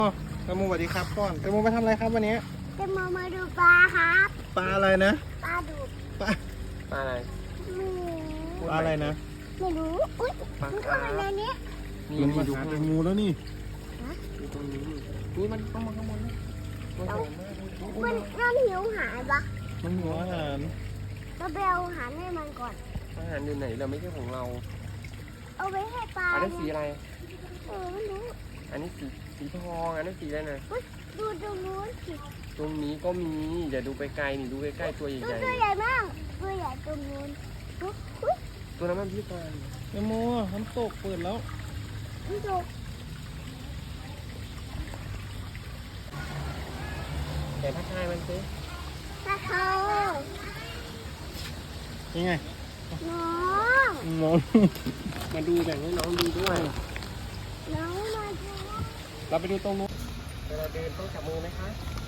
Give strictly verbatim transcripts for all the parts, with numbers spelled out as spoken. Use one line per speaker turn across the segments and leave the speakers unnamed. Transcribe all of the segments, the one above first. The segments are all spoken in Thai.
แตงโมสวัสดีครับก่อนแตงโมมาทำอะไรครับวันนี้
แตงโมมาดูปลาครับ
ปลาอะไรนะ
ปลาดุก
ปลา
ปลาอะไร
ปลาอะไรนะ
ไม่รู้อุ้ยมันเข้ามาในนี้
มันมาหาแตงโมแล้วนี่
อยู่ตรงนี้นี่มันต้องมาข้างบนนะมันหอมมาก
มันน่าหิวหายปะ
มันหัวอาหาร
เราไปเอาอาหารให้มันก่อน
อาหารอยู่ไหนเราไม่ใช่ของเรา
เอาไว้ให้ปลา
อันนี้สีอะไร
เออไม่รู้
อันนี้สีสีทองอันนี้สีอะไรนะ
ดูตรงนู้นสิ
ตรงนี้ก็มีอย่าดูไปไกลนี่ดูใกล้ๆตัวใหญ่ๆ
ตัวใหญ่มากตัวใหญ่ตรงนู้น
ตัวนั้นมันพิการ
แตงโมน้ำตกเปิดแล้ว
พี่ดู
แต่ถ้าทายมันสิ
ถ้าเขา
ยังไง
น้อง
น้อง
มาดูแบ่งให้น้องดูด้วย
น้องมาดู
เราไปดูตรงนู้นเวลาเดินต้องจับมือไหมคะ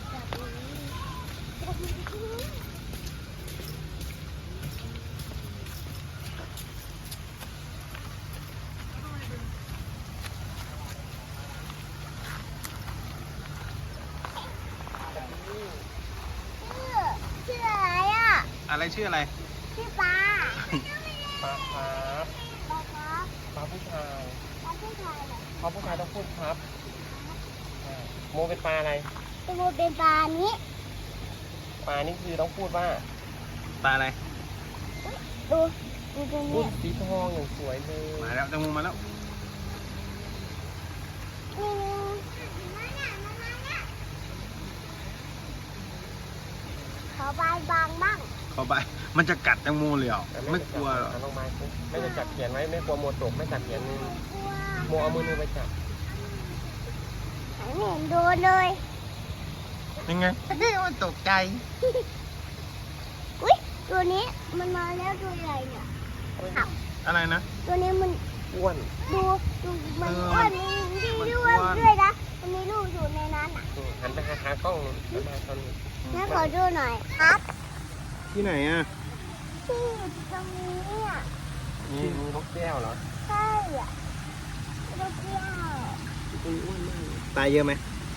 ชื่ออะไรอ่ะ
อะไรชื่ออะไร
ชื่อปลา
ปลาครับ
ปลาครับ
ปลาผู้ชาย
ปลาผู้ชายเหรอ
ปลาผู้ชายต้องพูดครับโมเป็นปลาอะไร
ตัวโมเป็นปลานี้
ปลานี่คือต้องพูดว่า
ปลาอะไร
ดูดูตรงนี้
สีทองอย่างสวยเลย
มาแล้วแตงโมมาแล้ว
ขอบายบางบ้าง
เข้าไปมันจะกัดแตงโมเลยเหรอไม่กลัวหรอ
ลงมาไม่จะจับเขียนไว้ไม่กลัวโมตกไม่จับเขียนมือโมเอามือมือไปจับ
ไม่เห็นโดนเลย
ยังไงมันตกใจ
อุ้ยตัวนี้มันมาแล้วตัวใหญ่เนี่ย
อะไรนะ
ตัวนี้มัน
อ้วน
ดูดูมันอ้วนมีที่อ้วนด้วยนะมันมีลูกอยู่ในนั้นอ่ะ
หันไปหาหากล้องหันไปหาตอนนี้
แม่ขอดูหน่อยครับ
ที่ไหนอ่ะ
ที่ตรงนี้อ่ะ
นี่มีนกแก้วเหรอ
ใช่อ่ะนกแก้ว
ตัวอ้วนมาก
ตายเยอะไหม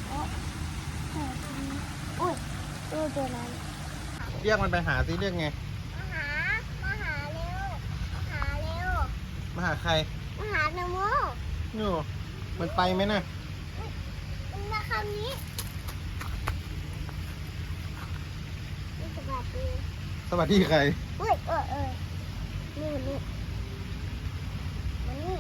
อุ้ยดูตัวนั้น
เรียกมันไปหาสิเรียกไง
มาหามาหาเร็วมาหาเร็ว
มาหาใคร
มาหาแตงโม
นู่มันไปไหมน่ะ
มันมาคำนี้สวัสดี
สวัสดีใคร
เฮ้ยเออเออนี่นี่มานี่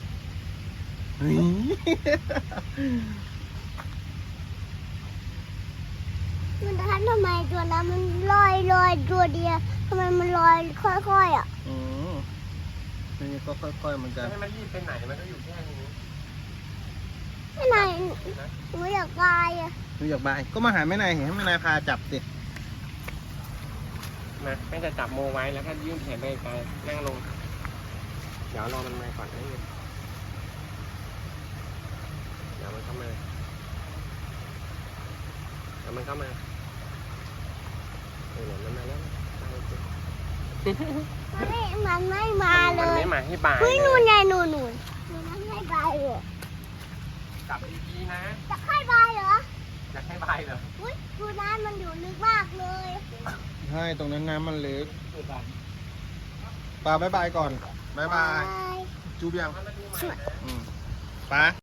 มันทันทำไมตัวนั้นมันลอยลอยตัวเดียวทำไมมันลอยค่อยๆอ่ะ
อืมนี่ก็ค่อยๆเหมือนกัน
ให้มันรีบไปไหนมันก็อยู่แค่นี้
ไม่นายหนูอยากไปอ่ะ
หนูอยากไปก็มาหาแม่นายเห็นให้แม่นายพาจับสิ
นะแม่จะจับโมไว้แล้วก็ยื่นแขนไปไกลนั่งลงเดี๋ยวรอมันมาก่อนนะเดี๋ยวมันเข้ามาเดี๋ยวมันเข้ามาเออมันมาแล้ว
มันไม่มันไม่มาเลย
มันไม่มาให้บาย
เฮ้ยนู่นไงนู่นนู่นมันให้บายเลย
จับดีๆนะ
จะให้บายเหรอ
จะให้บายเหรอ
อุ้ยดูน้ำมันอยู่ลึกมากเลย
ใช่ตรงนั้นน้ำมันลึกปลาบายบายก่อนบายบายจูบยังปลา